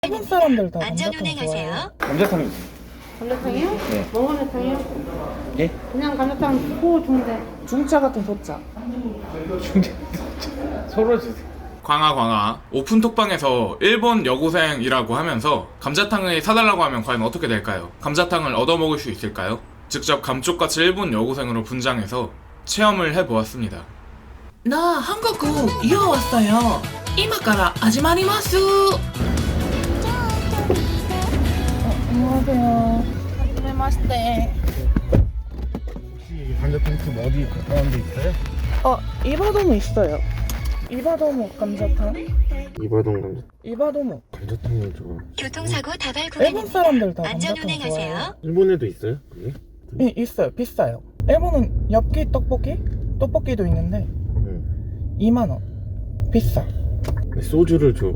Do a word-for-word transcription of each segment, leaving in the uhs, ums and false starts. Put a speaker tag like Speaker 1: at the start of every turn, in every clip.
Speaker 1: 일본 사람들 다 감자탕
Speaker 2: 안전운행하세요.
Speaker 1: 좋아해요.
Speaker 3: 감자탕이지.
Speaker 4: 감자탕이요?
Speaker 3: 네.
Speaker 4: 뭔 감자탕이요?
Speaker 3: 예?
Speaker 4: 그냥 감자탕 고 중대.
Speaker 1: 중짜 같은 소짜.
Speaker 3: 중대 서로 주세요.
Speaker 5: 광아 광아 오픈톡방에서 일본 여고생이라고 하면서 감자탕을 사달라고 하면 과연 어떻게 될까요? 감자탕을 얻어먹을 수 있을까요? 직접 감쪽같이 일본 여고생으로 분장해서 체험을 해보았습니다.
Speaker 6: 나 한국 이어 왔어요. 이마카라 하지마리마스.
Speaker 1: 안녕하세요.
Speaker 6: 하지메마시테.
Speaker 3: 혹시 이 감자탕집 어디 가까운 데 있어요?
Speaker 1: 어, 이바도모 있어요. 이바도모 감자탕.
Speaker 3: 이바동 감자
Speaker 1: 이바도모.
Speaker 3: 감자탕을 좋아.
Speaker 2: 교통사고 다발
Speaker 1: 일본
Speaker 2: 구간입니다.
Speaker 1: 사람들 다 감자탕 좋아해요.
Speaker 2: 안전운행하세요.
Speaker 3: 일본에도 있어요? 그게?
Speaker 1: 예, 있어요. 비싸요. 일본은 엽기 떡볶이? 떡볶이도 있는데
Speaker 3: 응.
Speaker 1: 이만 원. 비싸.
Speaker 3: 소주를 줘.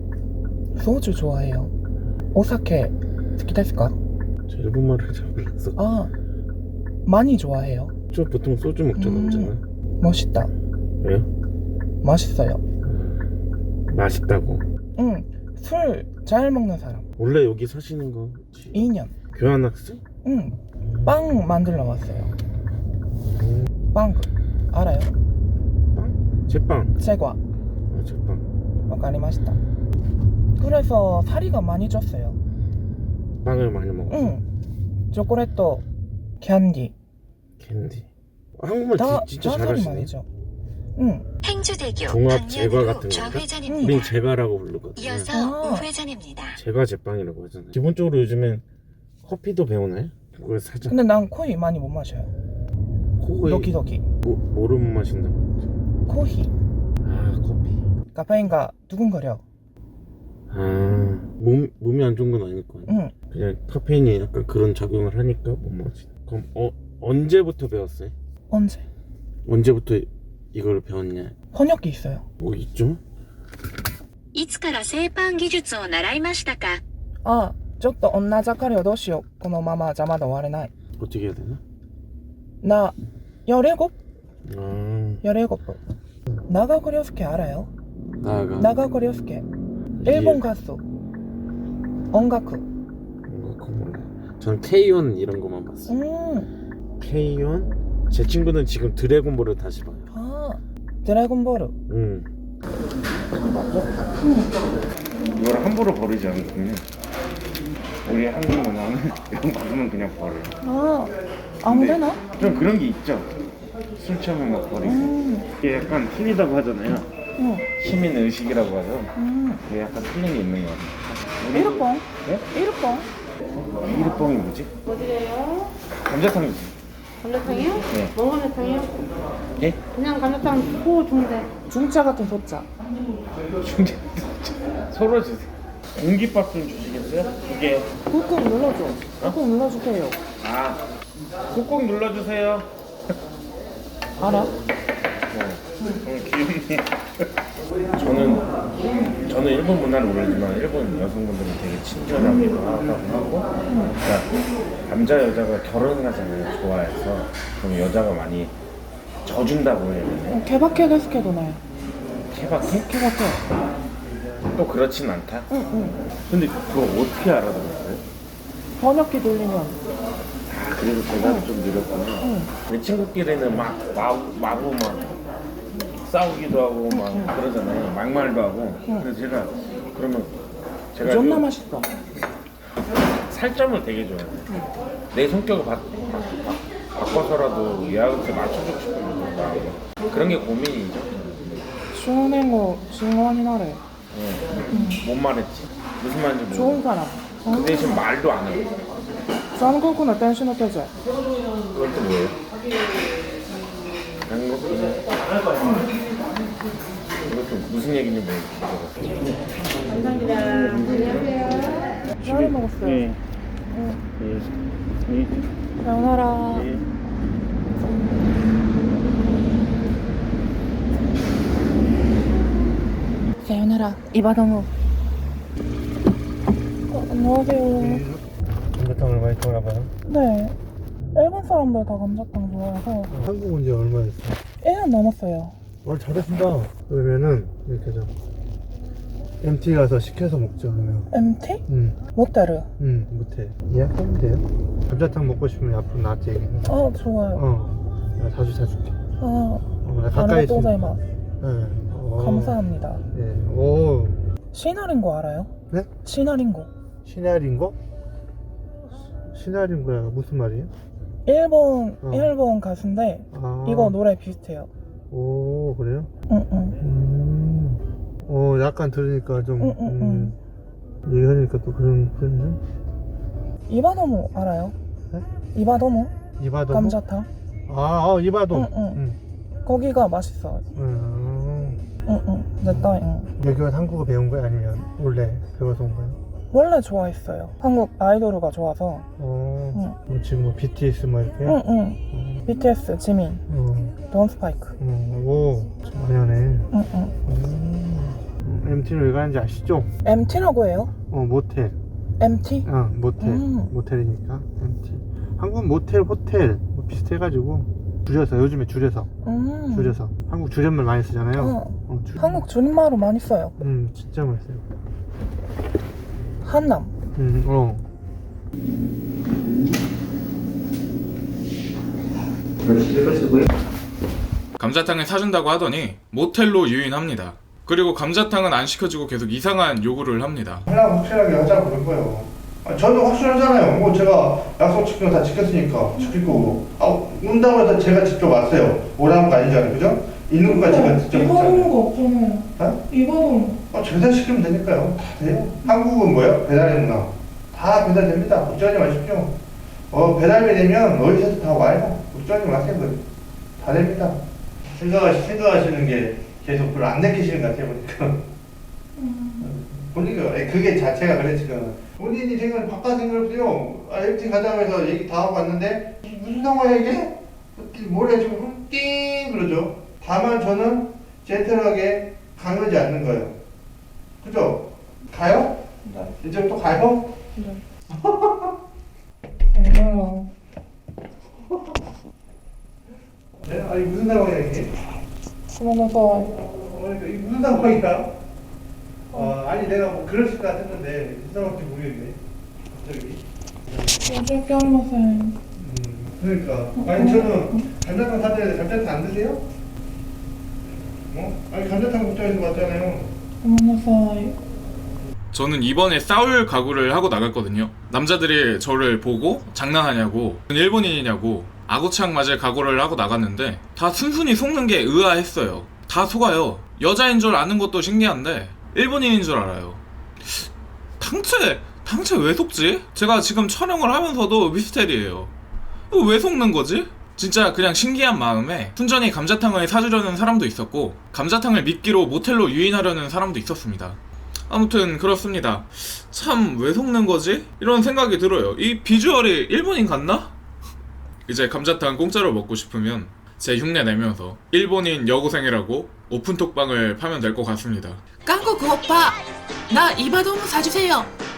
Speaker 1: 소주 좋아해요. 오사케好きですか?
Speaker 3: 저 일본말을 잘 몰라서.
Speaker 1: 아, 많이 좋아해요.
Speaker 3: 저 보통 소주 먹잖아.
Speaker 1: 음. 멋있다.
Speaker 3: 왜요?
Speaker 1: 맛있어요.
Speaker 3: 맛있다고.
Speaker 1: 응, 술 잘 먹는 사람.
Speaker 3: 원래 여기 사시는 거지?
Speaker 1: 이 년.
Speaker 3: 교환학생?
Speaker 1: 응, 빵 만들러 왔어요.
Speaker 3: 음.
Speaker 1: 빵 알아요?
Speaker 3: 빵? 제빵.
Speaker 1: 제과.
Speaker 3: 아, 제빵.
Speaker 1: わかりました. 그래서 살이가 많이 쪘어요.
Speaker 3: 빵을 많이 먹어.
Speaker 1: 응. 초콜릿, 캔디.
Speaker 3: 캔디. 한국말
Speaker 1: 다,
Speaker 3: 지, 진짜
Speaker 1: 다 살이
Speaker 3: 잘하시네.
Speaker 1: 많이 쪄. 응.
Speaker 2: 행주대교
Speaker 3: 종합 제과
Speaker 2: 방면으로
Speaker 3: 같은 건가?
Speaker 2: 좌회전입니다.
Speaker 3: 우린 제과라고 부르거든.
Speaker 2: 이어서
Speaker 1: 아.
Speaker 2: 우회전입니다.
Speaker 3: 제과 제빵이라고 하잖아요. 기본적으로 요즘엔 커피도 배우나요? 그걸 사자.
Speaker 1: 근데 난 코이 많이 못 마셔요.
Speaker 3: 코에
Speaker 1: 도키도키.
Speaker 3: 뭐, 뭐를 못 마신다고?
Speaker 1: 코히.
Speaker 3: 아 커피.
Speaker 1: 카페인가 두근거려.
Speaker 3: 아 몸, 몸이 안 좋은 건 아닐 거 아니야.
Speaker 1: 응.
Speaker 3: 그냥 카페인이 약간 그런 작용을 하니까 못 마시. 그럼 어 언제부터 배웠어요?
Speaker 1: 언제?
Speaker 3: 언제부터 이걸 배웠냐?
Speaker 1: 번역기 있어요.
Speaker 3: 뭐 있죠?
Speaker 2: いつから製パン技術を習いましたか?
Speaker 1: 아, ちょっと女盛りをどうしよう。このまま邪魔で終われない.
Speaker 3: 어떻게 해야 되나?
Speaker 1: 나 열일곱?
Speaker 3: 아
Speaker 1: 열일곱. 나가고 료스케 알아요?
Speaker 3: 나가.
Speaker 1: 나가고 료스케. 일본 가수.音楽.
Speaker 3: 뭔가 그거 몰라. 전 케이온 이런 거만 봤어.
Speaker 1: 음.
Speaker 3: 케이온? 제 친구는 지금 드래곤볼을 다시 봐요.
Speaker 1: 아, 드래곤볼.
Speaker 3: 응. 이걸 함부로 버리지 않거든요. 우리 한국 문화는 이런 거 보면 그냥 버려요.
Speaker 1: 아, 아무데나?
Speaker 3: 좀 그런 게 있죠. 술 취하면 막 버리고.
Speaker 1: 음.
Speaker 3: 이게 약간 틀리다고 하잖아요.
Speaker 1: 응.
Speaker 3: 시민 의식이라고 하죠.
Speaker 1: 음.
Speaker 3: 이게 약간 틀린 게 있는 거 같아요.
Speaker 1: 일본?
Speaker 3: 네?
Speaker 1: 일본?
Speaker 3: 이르뽕이 뭐지?
Speaker 4: 어디래요?
Speaker 3: 감자탕이지.
Speaker 4: 감자탕이요?
Speaker 3: 네.
Speaker 4: 뭔 감자탕이요?
Speaker 3: 예?
Speaker 4: 그냥 감자탕 고 중대.
Speaker 1: 중짜 같은 소짜.
Speaker 3: 중재 서로 주세요. 공깃밥 좀 주시겠어요? 두 개.
Speaker 1: 꾹꾹 눌러줘. 꾹꾹 눌러주세요.
Speaker 3: 아, 꾹꾹 눌러주세요.
Speaker 1: 알아?
Speaker 3: 오늘 귀엽네. 저는 저는 일본 문화를 모르지만 일본 여성분들은 되게 친절하기도 하다고 하고, 그러니까 남자 여자가 결혼을 하잖아요. 좋아해서 그럼 여자가 많이 져준다고 해야 되나요?
Speaker 1: 어, 케바케 데스케도 나요.
Speaker 3: 케바케?
Speaker 1: 케바케.
Speaker 3: 또 그렇진 않다.
Speaker 1: 응, 응.
Speaker 3: 근데 그거 어떻게 알아들었어요?
Speaker 1: 번역기 돌리면.
Speaker 3: 아, 그래서 제가 좀 느렸구나.
Speaker 1: 응.
Speaker 3: 내 친구끼리는 막 마구, 마구 막 싸우기도 하고 막 그러잖아요. 막말도 하고. 그래서 제가 그러면 제가
Speaker 1: 존나
Speaker 3: 그
Speaker 1: 맛있어.
Speaker 3: 살점을 되게 좋아해요. 내 성격을 바, 바, 바, 바꿔서라도 얘한테 맞춰주고 싶은 마음. 그런 게 고민이죠.
Speaker 1: 슈네고 싱어니 나래.
Speaker 3: 네. 뭔 말했지? 무슨 말인지 모르겠어.
Speaker 1: 좋은 사람.
Speaker 3: 그 대신 말도 안 해요.
Speaker 1: 한국의 댄스의 태제.
Speaker 3: 그건 또 뭐예요? 한국은 이것도 무슨 얘기인지 모르겠어요.
Speaker 4: 감사합니다. 안녕하세요.
Speaker 1: 잘 먹었어요.
Speaker 3: 네.
Speaker 1: 응.
Speaker 3: 네. 네.
Speaker 1: 사요나라.
Speaker 3: 네.
Speaker 1: 사요나라. 이바도모. 어, 안녕하세요.
Speaker 3: 감자탕을 많이 좋아해봐요.
Speaker 1: 네. 일본 사람들 다 감자탕 좋아해서
Speaker 3: 한국 온 지 얼마 됐어요?
Speaker 1: 일 년 넘었어요.
Speaker 3: 와 잘하신다. 그러면은 이렇게 좀
Speaker 7: 엠티 가서 시켜서 먹죠 그러면.
Speaker 1: 엠티?
Speaker 7: 응,
Speaker 1: 모테르.
Speaker 7: 응, 못해. 예약하면 돼요. 감자탕 먹고 싶으면 앞으로 나한테 얘기해.
Speaker 1: 아, 좋아요.
Speaker 7: 어, 내가 자주 사줄게.
Speaker 1: 아,
Speaker 7: 어, 나 가까이 있으면.
Speaker 1: 아리가또고자이마스.
Speaker 7: 네. 어,
Speaker 1: 감사합니다.
Speaker 7: 예. 오,
Speaker 1: 시나린고 알아요?
Speaker 7: 네?
Speaker 1: 시나린고.
Speaker 7: 시나린고? 시나린고야 무슨 말이에요?
Speaker 1: 일본
Speaker 7: 어.
Speaker 1: 일본 가수인데
Speaker 7: 아,
Speaker 1: 이거 노래 비슷해요.
Speaker 7: 오, 그래요?
Speaker 1: 응응.
Speaker 7: 음, 어, 약간 들으니까 좀,
Speaker 1: 응, 응,
Speaker 7: 음, 얘기하니까 또 그런, 그러네.
Speaker 1: 이바도모 알아요?
Speaker 7: 네?
Speaker 1: 이바도모?
Speaker 7: 이바도모?
Speaker 1: 감자탕?
Speaker 7: 아, 어, 이바도.
Speaker 1: 응, 응.
Speaker 7: 응.
Speaker 1: 거기가 맛있어요.
Speaker 7: 음,
Speaker 1: 응응.絶対 응.
Speaker 7: 여기 와서 한국어 배운 거야? 아니면 원래 배워서 온 거야?
Speaker 1: 원래 좋아했어요. 한국 아이돌가 좋아서.
Speaker 7: 어,
Speaker 1: 응.
Speaker 7: 뭐 지금 뭐 비티에스 뭐 이렇게?
Speaker 1: 응응.
Speaker 7: 어,
Speaker 1: 비티에스, 지민,
Speaker 7: 어,
Speaker 1: 돈스파이크.
Speaker 7: 어, 오, 좀 많이 하네.
Speaker 1: 응응.
Speaker 7: 음, 엠티는 왜 가는지 아시죠?
Speaker 1: 엠티라고 해요?
Speaker 7: 어, 모텔.
Speaker 1: 엠티?
Speaker 7: 어, 모텔.
Speaker 1: 음.
Speaker 7: 모텔이니까 엠티. 한국 모텔, 호텔 뭐 비슷해가지고 줄여서 요즘에 줄여서
Speaker 1: 음.
Speaker 7: 줄여서 한국 줄임말 많이 쓰잖아요.
Speaker 1: 어.
Speaker 7: 어, 줄-
Speaker 1: 한국 줄임말로 많이 써요.
Speaker 7: 음, 진짜 많이 써요.
Speaker 1: 한남.
Speaker 7: 음, 어.
Speaker 5: 감자탕을 사준다고 하더니 모텔로 유인합니다. 그리고 감자탕은 안 시켜주고 계속 이상한 요구를 합니다.
Speaker 7: 그냥 확실하게 하자고 그런 거예요. 아, 저는 확실하잖아요. 뭐 제가 약속 지킨 거 다 지켰으니까 지킬 거고. 아, 온다고 해서 제가 직접 왔어요. 오라는 거 아니잖아요, 그죠? 있는 것까지 제가 직접 했잖아요.
Speaker 6: 거 없잖아요.
Speaker 7: 어?
Speaker 6: 이거는
Speaker 7: 아, 배달시키면 되니까요. 다 돼요. 한국은 뭐예요? 배달의 문화. 다 배달됩니다. 걱정하지 마십시오. 어, 배달이 되면 어디서도 다 와요. 걱정하지 마세요. 그거. 다 됩니다. 생각하시, 생각하시는 게 계속 별로 안 느끼시는 것 같아요, 보니까. 보니까 에, 그게 자체가 그래 지금. 본인이 생각 바깥 생각해요. 아, 엠티 가자고 해서 얘기 다 하고 왔는데 무슨 상황이야 이게? 뭐래 지금 띵 그러죠. 다만 저는 젠틀하게 강요하지 않는 거예요. 그죠? 가요?
Speaker 1: 네.
Speaker 7: 이제 또 가요?
Speaker 1: 얼마나.
Speaker 7: 네? 아니 무슨 상황이야 이게?
Speaker 1: 그러면서
Speaker 7: 어, 이게 무슨 상황이야? 어, 아니 내가 뭐 그랬을 것 같았는데 무슨 상황인지 모르겠네. 갑자기.
Speaker 1: 어쩔 게 없어요.
Speaker 7: 음, 그러니까. 아니 저는 감자탕 사드려야 돼. 감자탕 안 드세요? 어? 아니 감자탕 먹자는 거 같잖아요.
Speaker 1: 그러면서
Speaker 5: 저는 이번에 싸울 각오를 하고 나갔거든요. 남자들이 저를 보고 장난하냐고, 일본인이냐고 아구창 맞을 각오를 하고 나갔는데 다 순순히 속는 게 의아했어요. 다 속아요. 여자인 줄 아는 것도 신기한데 일본인인 줄 알아요. 당최 당최 왜 속지? 제가 지금 촬영을 하면서도 미스테리예요. 왜 속는 거지? 진짜 그냥 신기한 마음에 순전히 감자탕을 사주려는 사람도 있었고 감자탕을 미끼로 모텔로 유인하려는 사람도 있었습니다. 아무튼 그렇습니다. 참 왜 속는 거지? 이런 생각이 들어요. 이 비주얼이 일본인 같나? 이제 감자탕 공짜로 먹고 싶으면 제 흉내 내면서 일본인 여고생이라고 오픈톡방을 파면 될 것 같습니다.
Speaker 6: 한국 오빠 나 이바도모 사주세요.